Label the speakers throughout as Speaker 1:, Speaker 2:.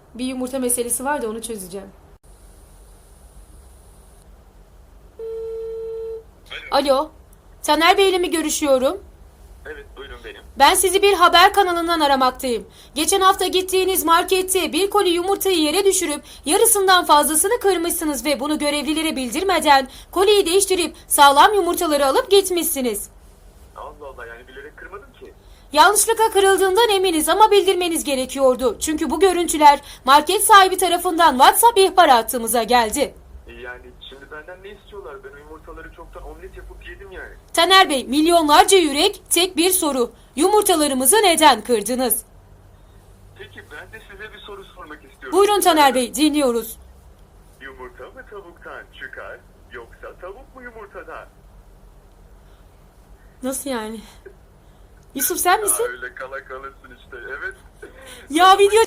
Speaker 1: Bir yumurta meselesi var da onu çözeceğim. Alo. Taner Bey ile mi görüşüyorum?
Speaker 2: Evet, buyurun benim.
Speaker 1: Ben sizi bir haber kanalından aramaktayım. Geçen hafta gittiğiniz markette bir koli yumurtayı yere düşürüp yarısından fazlasını kırmışsınız ve bunu görevlilere bildirmeden koliyi değiştirip sağlam yumurtaları alıp gitmişsiniz.
Speaker 2: Allah Allah, yani bilerek kırmadım ki.
Speaker 1: Yanlışlıkla kırıldığından eminiz ama bildirmeniz gerekiyordu. Çünkü bu görüntüler market sahibi tarafından WhatsApp ihbar hattımıza geldi.
Speaker 2: Yani şimdi benden ne istiyorlar? Ben o yumurtaları çoktan omlet yapıp yedim yani.
Speaker 1: Taner Bey, milyonlarca yürek, tek bir soru. Yumurtalarımızı neden kırdınız?
Speaker 2: Peki ben de size bir soru sormak istiyorum.
Speaker 1: Buyurun Taner Bey, dinliyoruz.
Speaker 2: Yumurta mı tavuktan çıkar, yoksa tavuk mu yumurtadan?
Speaker 1: Nasıl yani? Yusuf sen misin?
Speaker 2: Öyle kala kalırsın işte, evet.
Speaker 1: Ya video...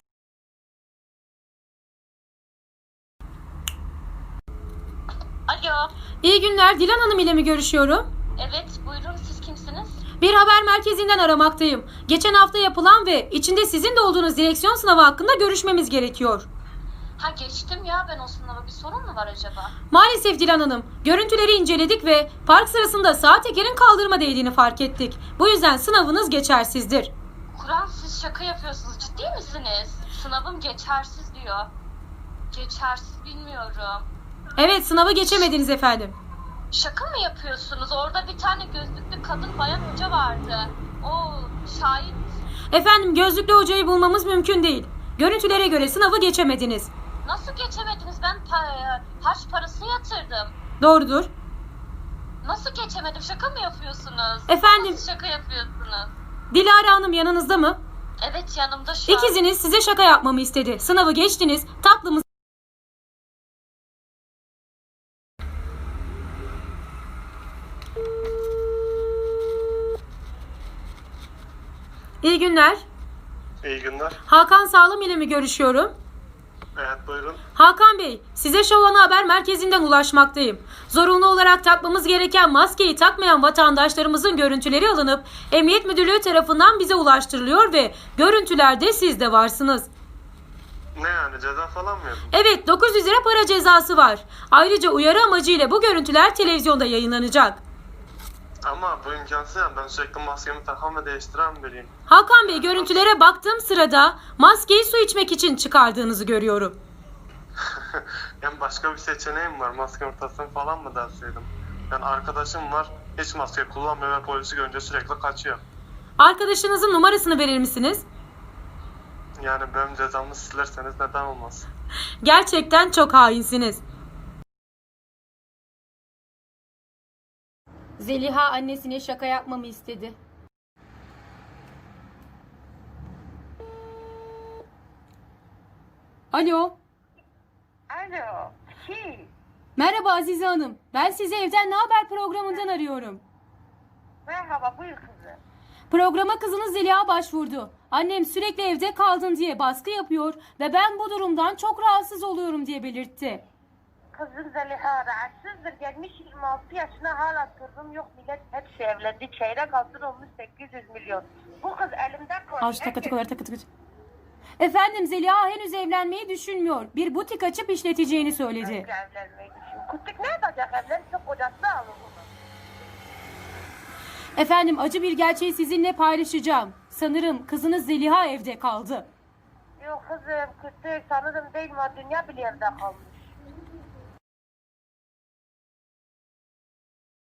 Speaker 3: Alo.
Speaker 1: İyi günler, Dilan Hanım ile mi görüşüyorum?
Speaker 3: Evet, buyurun, siz kimsiniz?
Speaker 1: Bir haber merkezinden aramaktayım. Geçen hafta yapılan ve içinde sizin de olduğunuz direksiyon sınavı hakkında görüşmemiz gerekiyor.
Speaker 3: Ha, geçtim ya ben o sınavı. Bir sorun mu var acaba?
Speaker 1: Maalesef Dilan Hanım, görüntüleri inceledik ve park sırasında sağ tekerin kaldırıma değdiğini fark ettik. Bu yüzden sınavınız geçersizdir.
Speaker 3: Kur'an, siz şaka yapıyorsunuz, ciddi misiniz? Sınavım geçersiz diyor. Geçersiz bilmiyorum.
Speaker 1: Evet, sınavı geçemediniz efendim.
Speaker 3: Şaka mı yapıyorsunuz? Orada bir tane gözlüklü kadın bayan hoca vardı. O şahit.
Speaker 1: Efendim, gözlüklü hocayı bulmamız mümkün değil. Görüntülere göre sınavı geçemediniz.
Speaker 3: Nasıl geçemediniz? Ben harç parası yatırdım.
Speaker 1: Doğrudur.
Speaker 3: Nasıl geçemedim? Şaka mı yapıyorsunuz?
Speaker 1: Efendim?
Speaker 3: Nasıl şaka yapıyorsunuz?
Speaker 1: Dilara Hanım yanınızda mı?
Speaker 3: Evet, yanımda şu an.
Speaker 1: İkiziniz size şaka yapmamı istedi. Sınavı geçtiniz, tatlımız... İyi günler.
Speaker 2: İyi günler.
Speaker 1: Hakan Sağlam ile mi görüşüyorum?
Speaker 2: Evet, buyurun.
Speaker 1: Hakan Bey, size Şov Ana Haber Merkezi'nden ulaşmaktayım. Zorunlu olarak takmamız gereken maskeyi takmayan vatandaşlarımızın görüntüleri alınıp Emniyet Müdürlüğü tarafından bize ulaştırılıyor ve görüntülerde siz de varsınız.
Speaker 2: Ne yani, ceza falan mı yapın?
Speaker 1: Evet, 900 lira para cezası var. Ayrıca uyarı amacıyla bu görüntüler televizyonda yayınlanacak.
Speaker 2: Ama bu imkansız yani, ben sürekli maskemi takan ve değiştiren biriyim.
Speaker 1: Hakan Bey, görüntülere baktığım sırada maskeyi su içmek için çıkardığınızı görüyorum.
Speaker 2: Yani başka bir seçeneğim var, maske ortasını falan mı derseydim? Yani arkadaşım var, hiç maske kullanmıyor ve polisi görünce sürekli kaçıyor.
Speaker 1: Arkadaşınızın numarasını verir misiniz?
Speaker 2: Yani benim cezamı silerseniz neden olmaz?
Speaker 1: Gerçekten çok hainsiniz. Zeliha annesine şaka yapmamı istedi. Alo.
Speaker 4: Alo, kim?
Speaker 1: Merhaba Azize Hanım. Ben sizi Evden Ne Haber programından arıyorum.
Speaker 4: Merhaba, buyur kızım.
Speaker 1: Programa kızınız Zeliha başvurdu. Annem sürekli evde kaldın diye baskı yapıyor ve ben bu durumdan çok rahatsız oluyorum diye belirtti.
Speaker 4: Kızım Zeliha rahatsızdır. Gelmiş 26 yaşına hala sorunum yok. Millet hepsi evlendi. Çeyrek altın olmuş 800 milyon. Bu kız elimden koydu.
Speaker 1: Al şu takı takı. Efendim Zeliha henüz evlenmeyi düşünmüyor. Bir butik açıp işleteceğini söyledi.
Speaker 4: Evlenmeyi düşün. Kutluk ne yapacak? Evlense kocası alır bunu.
Speaker 1: Efendim acı bir gerçeği sizinle paylaşacağım. Sanırım kızınız Zeliha evde kaldı.
Speaker 4: Yok kızım, kutluk sanırım değil mi? Dünya bile evde kalmış.